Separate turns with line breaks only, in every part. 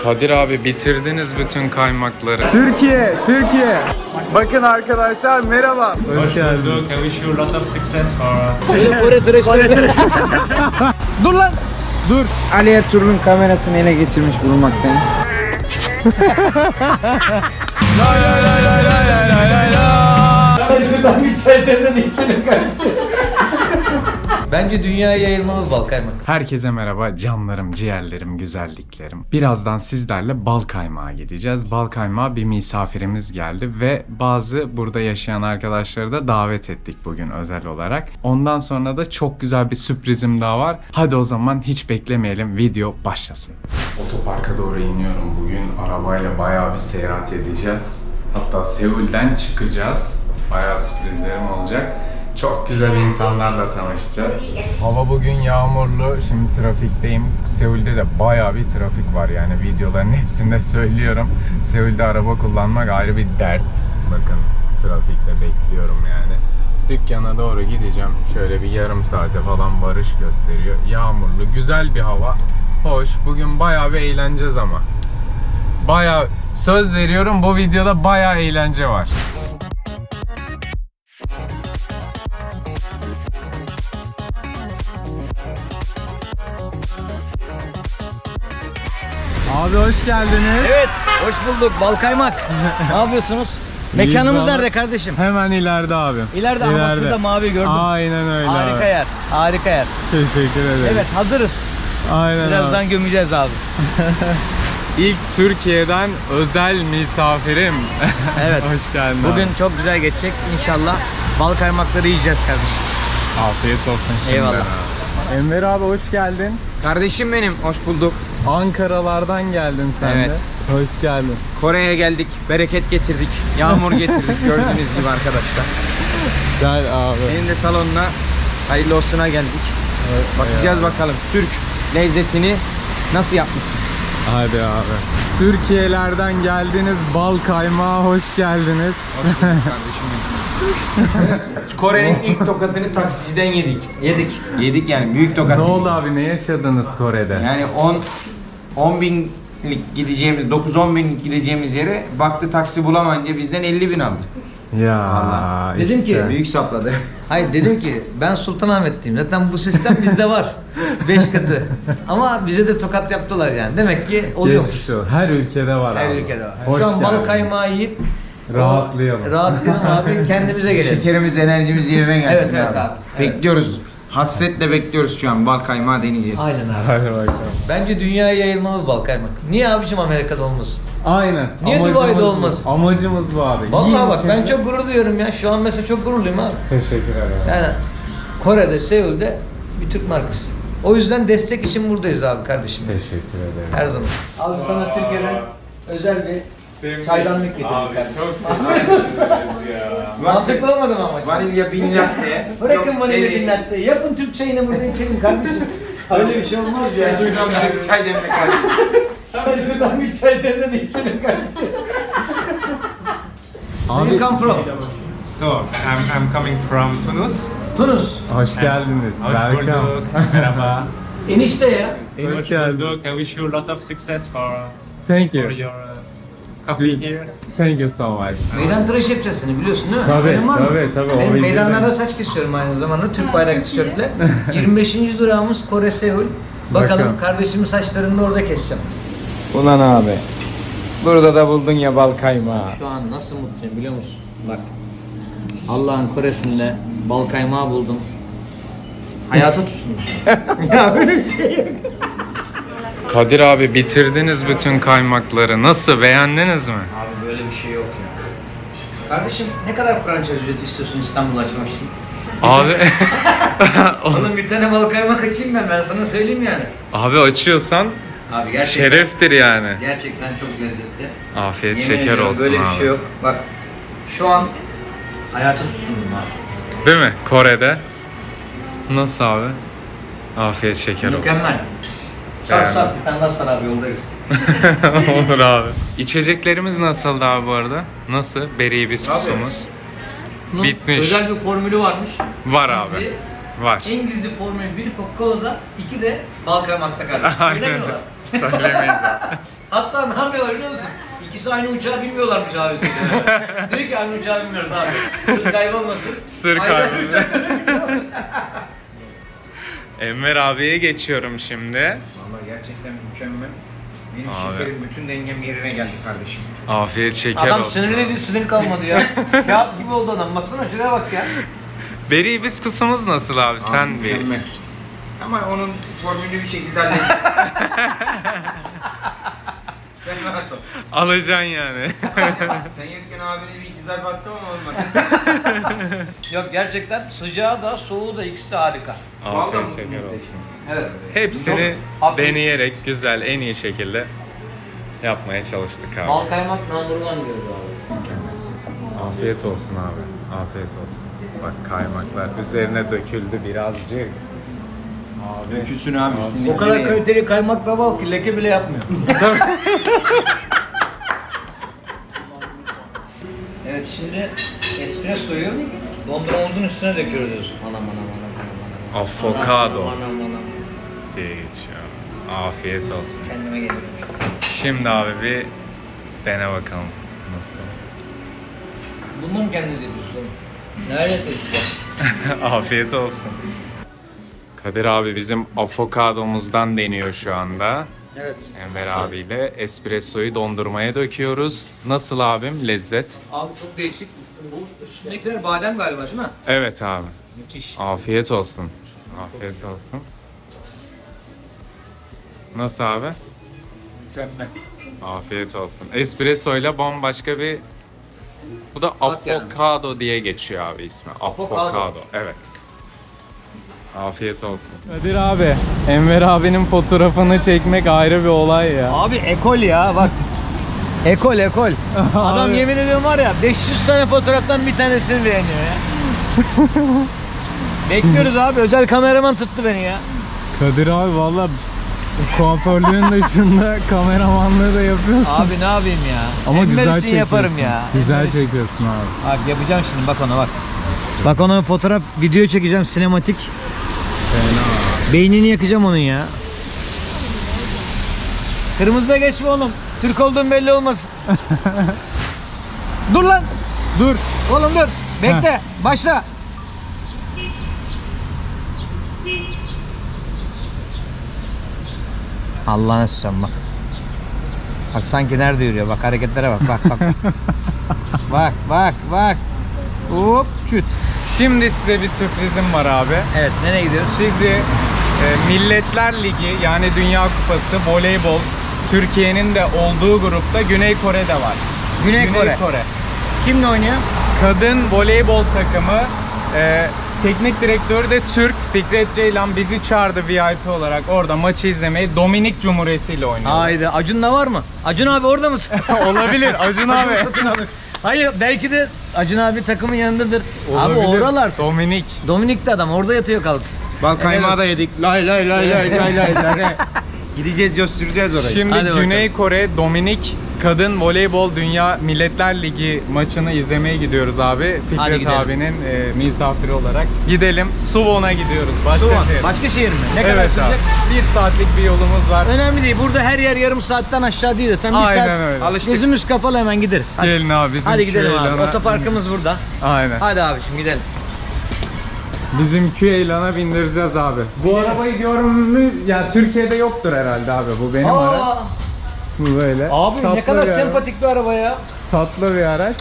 Kadir abi bitirdiniz bütün kaymakları.
Türkiye, Türkiye. Bakın arkadaşlar merhaba.
Hoş geldin. I wish you a lot of success for...
Dur lan. Dur.
Ali Ertuğrul'un kamerasını ele geçirmiş bulunmaktayım.
Şuradan bir çay demle de içelim kardeşim.
Bence dünyaya yayılmalı bal kaymak.
Herkese merhaba canlarım, ciğerlerim, güzelliklerim. Birazdan sizlerle bal kaymağa gideceğiz. Bal kaymağa bir misafirimiz geldi ve bazı burada yaşayan arkadaşları da davet ettik bugün özel olarak. Ondan sonra da çok güzel bir sürprizim daha var. Hadi o zaman hiç beklemeyelim, video başlasın. Otoparka doğru iniyorum bugün. Arabayla bayağı bir seyahat edeceğiz. Hatta Seul'den çıkacağız. Bayağı sürprizlerim olacak. Çok güzel insanlarla tanışacağız. Hava bugün yağmurlu. Şimdi trafikteyim. Seul'de de bayağı bir trafik var. Yani videoların hepsinde söylüyorum. Seul'de araba kullanmak ayrı bir dert. Bakın trafikte bekliyorum yani. Dükkana doğru gideceğim. Şöyle bir yarım saate falan varış gösteriyor. Yağmurlu, güzel bir hava. Hoş. Bugün bayağı bir eğleneceğiz ama. Bayağı söz veriyorum, bu videoda bayağı eğlence var. Abi hoş geldiniz.
Evet, hoş bulduk bal kaymak. Ne yapıyorsunuz? Mekanımız nerede kardeşim?
Hemen ileride abi.
İleride ama şurada mavi gördüm.
Aynen öyle
Harika
abi.
yer, harika yer.
Teşekkür ederim.
Evet, hazırız.
Aynen
Birazdan
abi.
gömeceğiz abi.
İlk Türkiye'den özel misafirim.
Evet.
Hoş geldin
Bugün
abi.
çok güzel geçecek inşallah. Bal kaymakları yiyeceğiz kardeşim.
Afiyet olsun şimdi.
Eyvallah.
Enver abi hoş geldin.
Kardeşim benim, hoş bulduk.
Ankaralardan geldin sen
Evet.
de. Hoş geldin.
Kore'ye geldik, bereket getirdik, yağmur getirdik gördüğünüz gibi arkadaşlar.
Gel abi.
Senin de salonuna hayırlı olsuna geldik.
Evet,
Bakacağız bakalım Türk lezzetini nasıl yapmışsın?
Hadi abi. Türkiye'lerden geldiniz, bal kaymağa hoş geldiniz.
Kore'nin ilk tokatını taksiciden yedik. Yedik yani büyük tokat.
Ne oldu abi, ne yaşadınız Kore'de?
Yani 10 binlik gideceğimiz, 9-10 binlik gideceğimiz yere baktı taksi bulamayınca bizden 50 bin aldı.
Ya
Vallahi.
Dedim
işte.
ki,
Büyük sapladı.
Hayır dedim ki ben Sultanahmet'teyim. Zaten bu sistem bizde var. 5 katı. Ama bize de tokat yaptılar yani. Demek ki oluyormuş.
Geçmiş o. Her ülkede var
Her
abi.
ülkede var.
Hoş
Şu an bal
geldin.
kaymağı yiyip
Rahatlayalım.
Rahatlayalım abi, kendimize gelelim.
Şekerimiz, enerjimiz yerine gelsin.
Evet, evet abi.
Bekliyoruz. Hasretle bekliyoruz şu an. Bal kaymağı deneyeceğiz.
Aynen abi.
Hadi bakalım.
Bence dünyaya yayılmalı bal kaymak. Niye abicim Amerika'da olmasın?
Aynen.
Niye
Amacımız
Dubai'de
bu.
olmasın?
Amacımız bu abi.
Vallahi
Yiyin
bak ben
şimdi.
çok gurur duyuyorum ya. Şu an mesela çok gururluyum abi.
Teşekkür ederim.
Yani Kore'de, Seul'de bir Türk markası. O yüzden destek için buradayız abi kardeşim.
Teşekkür ederim.
Her zaman. Abi sana Türkiye'den özel bir çaydanlık getirdik kardeşim. Mantıklı olmadı mı ama?
Vanilya bin latte.
Bırakın vanilya bin latte. Yapın Türk çayını burada içelim kardeşim. Öyle bir şey olmaz ya.
Şuradan bir çay demle kardeşim.
Sen şuradan bir çay demle de içelim kardeşim.
Abi-
Come from?
So, I'm coming from Tunus.
Tunus.
Hoş geldiniz.
Hoş
Welcome.
bulduk. Merhaba.
Enişte ya.
Hoş
Hoş
geldin.
bulduk. I wish you a lot of success
Thank
for
you.
your coffee here.
Thank you so much.
Meydan tıraşı yapacağız seni biliyorsun değil mi?
Tabii,
Haberin var mı?
tabii, o
Benim
bildiğim.
meydanlarda saç kesiyorum aynı zamanda Türk bayrak tişörtle. 25. durağımız Kore Seul. Bakalım
Bakalım.
kardeşimin saçlarını da orada keseceğim.
Ulan abi. Burada da buldun ya bal kaymağı.
Şu an nasıl mutluyum biliyor musun? Bak. Allah'ın Kore'sinde bal kaymağı buldum. Hayata tutunmuş. Ya böyle bir şey yok.
Kadir abi bitirdiniz bütün kaymakları. Nasıl, beğendiniz mi?
Abi böyle bir şey yok ya. Kardeşim ne kadar franchise ücreti istiyorsun İstanbul'u açmak için?
Abi
Oğlum bir tane bal kaymak açayım ben sana söyleyeyim yani.
abi açıyorsan
Abi gerçekten.
şereftir yani.
Gerçekten çok lezzetli.
Afiyet
Yemin
şeker
ediyorum,
olsun
böyle
abi.
bir şey yok. Bak şu an hayata tutundum abi.
Değil mi? Kore'de. Nasıl abi? Afiyet şeker olsun.
Mükemmel. Sar sar bir tane daha sar abi yoldayız.
Olur abi. İçeceklerimiz nasıldı abi bu arada? Nasıl? Beri bisküsumuz.
Bunun
Bitmiş.
özel bir formülü varmış.
Var abi.
Gizli.
Var.
En gizli formülü bir Coca-Cola'da, iki de bal kaymakta kardeşim.
Aynen.
Söylemiyorlar.
Söylemeyiz abi.
Hatta ne yapıyorlar biliyor musun? İkisi aynı uçağı bilmiyorlarmış abi. Diyor ki aynı uçağı bilmiyoruz abi. Sır kaybolmasın.
Sır
Aynı
kaybı.
uçakları bilmiyorlar.
Enver abiye geçiyorum şimdi.
Vallahi gerçekten mükemmel. Benim
Abi.
şekerim bütün dengem yerine geldi kardeşim.
Afiyet şeker
Adam
olsun.
sinirliydi, sinir kalmadı ya. Kağıt gibi oldu adam. Baksana şuraya bak ya.
Beri hibiskusumuz nasıl abi? Sen bir.
Mükemmel. Ama onun formülünü bir şekilde halledeceğim. Sen rahat ol.
Alacaksın yani.
Sen yerken abine bir iki zarf attım ama olmadı.
Yok gerçekten sıcağı da soğuğu da ikisi de harika.
Afiyet şeker olsun.
Evet.
Hepsini
Çok-
deneyerek güzel, en iyi şekilde yapmaya çalıştık abi.
Bal kaymak number one diyoruz abi.
Afiyet olsun abi. Afiyet olsun. Bak kaymaklar üzerine döküldü birazcık. Abi.
Dökülsün abi.
O kadar kaliteli kaymak ve bal ki leke bile yapmıyor. Evet şimdi espressoyu dondurmamızın üstüne döküyoruz diyorsun. Anam.
Avokado
Anam.
diye geçiyor. Afiyet olsun.
Kendime geliyorum.
Şimdi abi bir dene bakalım nasıl.
Bunu mu kendiniz yapıyorsunuz oğlum? Nerede yapıyorsunuz?
Afiyet olsun. Kadir abi bizim avokadomuzdan deniyor şu anda.
Evet.
Enver abiyle espressoyu dondurmaya döküyoruz. Nasıl abim lezzet?
Abi çok değişik. Bu üstündekiler badem galiba değil mi?
Evet abi.
Müthiş.
Afiyet olsun. Afiyet olsun. Nasıl abi?
Mükemmel.
Afiyet olsun. Espresso ile bambaşka bir... Bu da
Bak yani.
avokado diye geçiyor abi ismi. Avokado. Evet. Afiyet olsun. Kadir abi, Enver abinin fotoğrafını çekmek ayrı bir olay ya.
Abi ekol ya bak. Ekol. Adam yemin ediyorum var ya 500 tane fotoğraftan bir tanesini beğeniyor ya. Bekliyoruz abi, özel kameraman tuttu beni ya.
Kadir abi valla kuaförlüğün dışında kameramanlığı da yapıyorsun.
Abi ne yapayım ya?
Ama
Enver
güzel
için
çekiyorsun.
yaparım ya.
Güzel çekiyorsun abi.
Bak yapacağım şimdi, bak ona bak. Bak ona fotoğraf, video çekeceğim sinematik. Beynini yakacağım onun ya. Kırmızıda geçme oğlum. Türk olduğun belli olmasın. Dur lan.
Dur.
Oğlum dur. Bekle. Başla. Allah'ını susam bak. Bak sanki nerede yürüyor. Bak hareketlere bak. Bak. Hop küt.
Şimdi size bir sürprizim var abi.
Evet, nereye gidiyoruz?
Sizi Milletler Ligi yani Dünya Kupası voleybol Türkiye'nin de olduğu grupta Güney Kore'de var.
Güney Kore. Kimle oynuyor?
Kadın voleybol takımı teknik direktörü de Türk Fikret Ceylan bizi çağırdı VIP olarak orada maçı izlemeyi. Dominik Cumhuriyeti ile oynuyor.
Haydi. Acun da var mı? Acun abi orada mısın?
Olabilir Acun abi.
Hayır, belki de Acun abi takımın yanındadır. Abi
Olabilir.
oralar.
Dominik.
Dominik de adam orada yatıyor kalk.
Bal kaymağı da yedik. Lay. Gideceğiz, coşturacağız orayı.
Şimdi
Hadi bakalım.
Güney Kore Dominik Kadın Voleybol Dünya Milletler Ligi maçını izlemeye gidiyoruz abi.
Hadi
Fikret
gidelim.
abinin misafiri olarak. Gidelim. Suwon'a gidiyoruz. Başka
Başka şehir mi? Ne kadar
Evet abi.
sürecek?
1 saatlik bir yolumuz var.
Önemli değil. Burada her yer yarım saatten aşağı değil de tam bir
Aynen
saat.
öyle.
Alıştık.
Gözümüz kapalı hemen gideriz. Hadi,
Gelin abi bizim
hadi gidelim abi.
Küeylana-
Otoparkımız burada.
Aynen.
Hadi abiciğim gidelim.
Bizim Küeylan'a bindireceğiz abi. Bu arabayı diyorum mü? Ya Türkiye'de yoktur herhalde abi. Bu benim araç. Bu böyle.
Abi ne
Tatlı
kadar
bir araç.
sempatik bir araba ya.
Tatlı bir araç.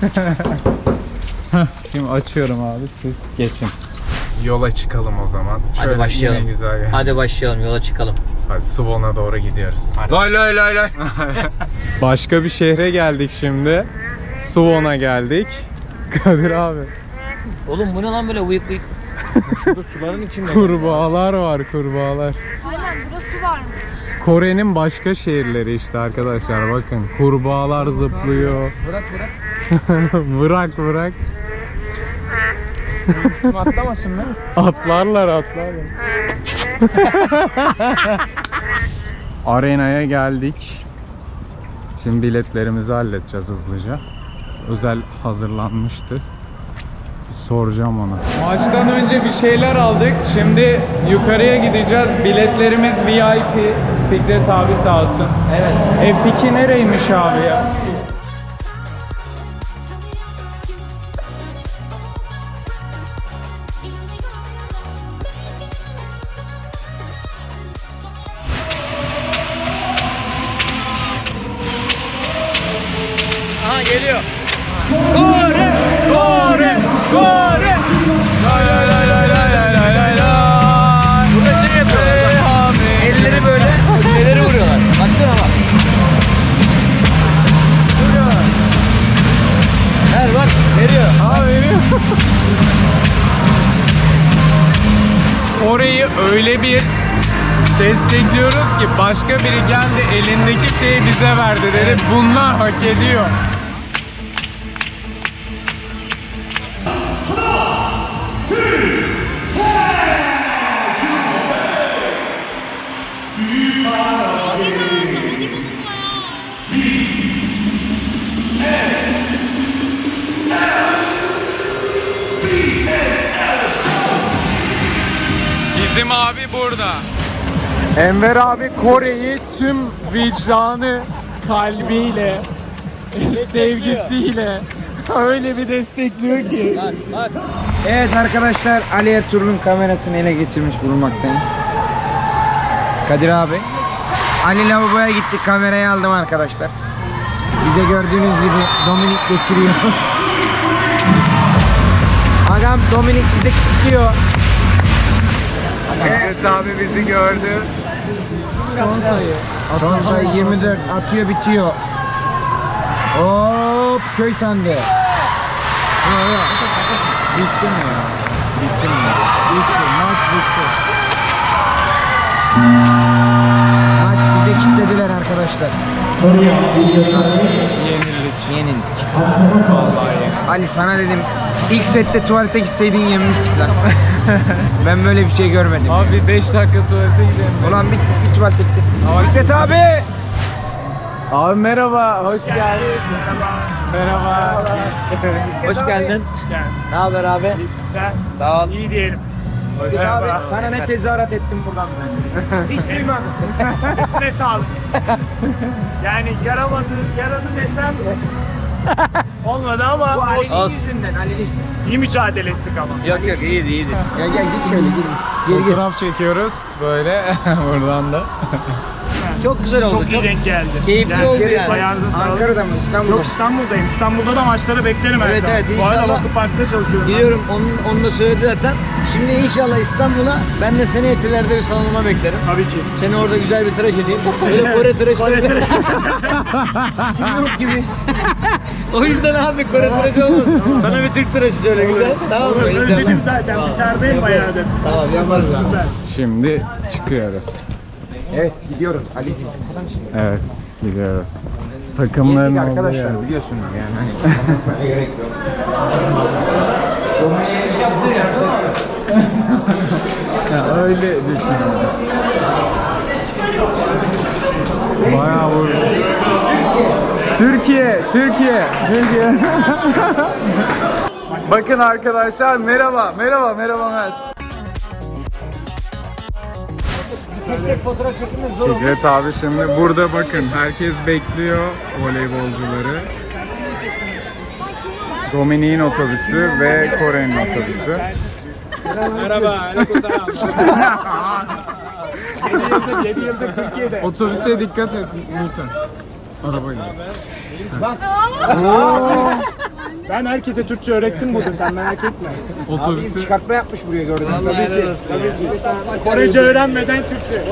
Şimdi açıyorum abi, siz geçin. Yola çıkalım o zaman.
Hadi
Şöyle
başlayalım.
yine güzel yani.
Hadi başlayalım, yola çıkalım.
Hadi Suwon'a doğru gidiyoruz.
Lay.
Başka bir şehre geldik şimdi. Suwon'a geldik. Kadir abi.
Oğlum bu ne lan böyle uyuk uyuk.
Suların içinde.
Kurbağalar var, kurbağalar.
Aynen burada su varmış.
Kore'nin başka şehirleri işte arkadaşlar, bakın. Kurbağalar zıplıyor.
Bırak.
Bırak.
Atlamasın mı?
Atlarlar. Arenaya geldik. Şimdi biletlerimizi halledeceğiz hızlıca. Özel hazırlanmıştı. Soracağım ona. Maçtan önce bir şeyler aldık. Şimdi yukarıya gideceğiz. Biletlerimiz VIP. Fikret abi sağ olsun. Evet. F2 nereymiş abi ya?
Aha geliyor.
Kore! Kore! Kore! Lay lay lay lay lay lay lay lay.
Burada şey yapıyorlar bak. Elleri böyle, elleri vuruyorlar. Baksana bak. Vuruyorlar. Ver bak, veriyor.
Ha veriyor. Orayı öyle bir destekliyoruz ki başka biri geldi elindeki şeyi bize verdi dedi. Bunlar hak ediyor. Bizim abi burada. Enver abi Kore'yi tüm vicdanı, kalbiyle, sevgisiyle öyle bir destekliyor ki.
Evet arkadaşlar, Ali Ertuğrul'un kamerasını ele geçirmiş bulunmaktayım. Kadir abi. Ali lavaboya gittik, kamerayı aldım arkadaşlar. Bize gördüğünüz gibi Dominik geçiriyor. Adam Dominik bize kilitliyor.
Evet abi bizi gördü.
Son sayı 24, atıyor bitiyor. Hop, köy sandı. Bitti mi ya? Bitti mi? Bitti, maç bitti. Maç bize kilitlediler arkadaşlar. Yenildik. Ali sana dedim, ilk sette tuvalete gitseydin yenmiştik lan. Ben böyle bir şey görmedim.
Abi 5 dakika tuvalete gidelim.
Ulan bir tuvalete gitti. Fikret abi!
Abi merhaba, hoş geldin. Merhaba.
Hoş geldin. Ne haber abi?
İyi sizler.
Sağ ol.
İyi diyelim.
Fikret abi, sana ne tezahürat ettim buradan ben. Hiç duymadım.
Sesine sağlık. Yani yaramadı desem olmadı ama
Bu Ali'nin
olsun.
yüzünden, Ali'nin.
İyi mücadele ettik ama.
Yok iyiydi iyiydi.
Gel git şöyle gir. Geri gir.
Fotoğraf çekiyoruz böyle buradan da.
Çok güzel oldu.
Çok iyi denk geldi.
Keyifli oldu yani.
Ayağınıza sağlık.
Ankara'da mı, İstanbul'da
Yok
mı?
İstanbul'dayım. İstanbul'da da maçları beklerim her
Evet,
zaman.
evet,
Bu arada
inşallah.
Vakıfpark'ta çalışıyorum. ben.
Biliyorum onu da söyledi zaten. Şimdi inşallah İstanbul'a ben de seni Etiler'de bir salonuma beklerim.
Tabii ki.
Seni orada güzel bir tıraş edeyim. Böyle Kore tıraşı
Kore tıraşı.
Kim yok gibi. O yüzden abi Kore tıraşı olmasın. Sana bir Türk tıraşı söyle güzel. Tamam mı?
Özledim zaten. Dışarıdayım bayağıdır.
Tamam yaparız abi.
Süper.
Şimdi çıkıyoruz.
Evet gidiyoruz Ali'ciğim.
Evet, gidiyoruz. Takımların
Yendik
olduğu yer.
arkadaşlar biliyorsunuz yani hani anlatmaya gerek yok.
Ya öyle düşünüyorum. Bayağı vurdu. Türkiye. Bakın arkadaşlar merhaba Mert. Fikret abi şimdi burada bakın herkes bekliyor voleybolcuları. Dominik'in otobüsü ve Kore'nin otobüsü.
Merhaba. 7 yıldır Türkiye'de.
Otobüse dikkat et Nurten. Arabayla.
Ben herkese Türkçe öğrettim burada. Sen merak etme.
Otobüsü
Çıkartma yapmış buraya gördüm.
Korece öğrenmeden Türkçe.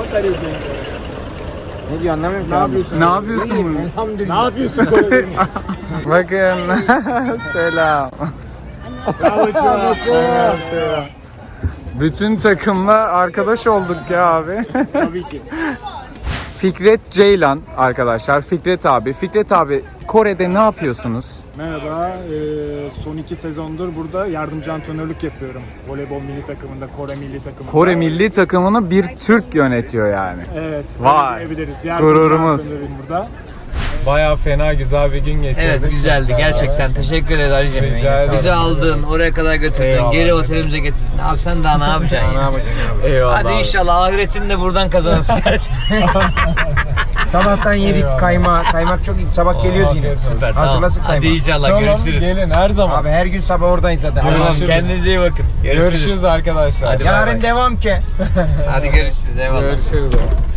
Ne diyor anlamıyorum ki.
Ne yapıyorsun?
ne yapıyorsun bunu?
Elhamdülillah.
Ne yapıyorsun Korece?
Bakın. Selam.
Bravo Çuha.
Selam. Bütün takımla arkadaş olduk ya abi.
Tabii ki.
Fikret Ceylan arkadaşlar. Fikret abi. Fikret abi Kore'de ne yapıyorsunuz?
Merhaba. Son 2 sezondur burada yardımcı antrenörlük yapıyorum. Voleybol milli takımında, Kore milli takımında.
Kore milli takımını bir Türk yönetiyor yani.
Evet.
Vay,
öyle diyebiliriz. Yardımcı
gururumuz.
antrenörüm burada.
Bayağı fena güzel bir gün geçirdik.
Evet güzeldi gerçekten. Teşekkür ederiz Ali'cim.
Rica ederim.
Bizi aldın, oraya kadar götürdün,
Eyvallah.
geri otelimize getirdin. Abi sen daha ne yapacaksın
Ne
ya?
yapacaksın abi?
Eyvallah.
Hadi
abi.
inşallah ahiretini de buradan kazanırsın.
Sabahtan yedik
Eyvallah.
kaymak. Kaymak çok iyi. Sabah geliyoruz yine.
Süper,
Hazırlasın
Hadi
kaymak.
inşallah
Tamam,
görüşürüz.
gelin her zaman.
Abi her gün sabah oradayız zaten.
Görüşürüz.
Tamam, kendinize iyi bakın.
Görüşürüz arkadaşlar.
Hadi bay bay.
Yarın devam ki.
Hadi görüşürüz. Eyvallah.
Görüşürüz.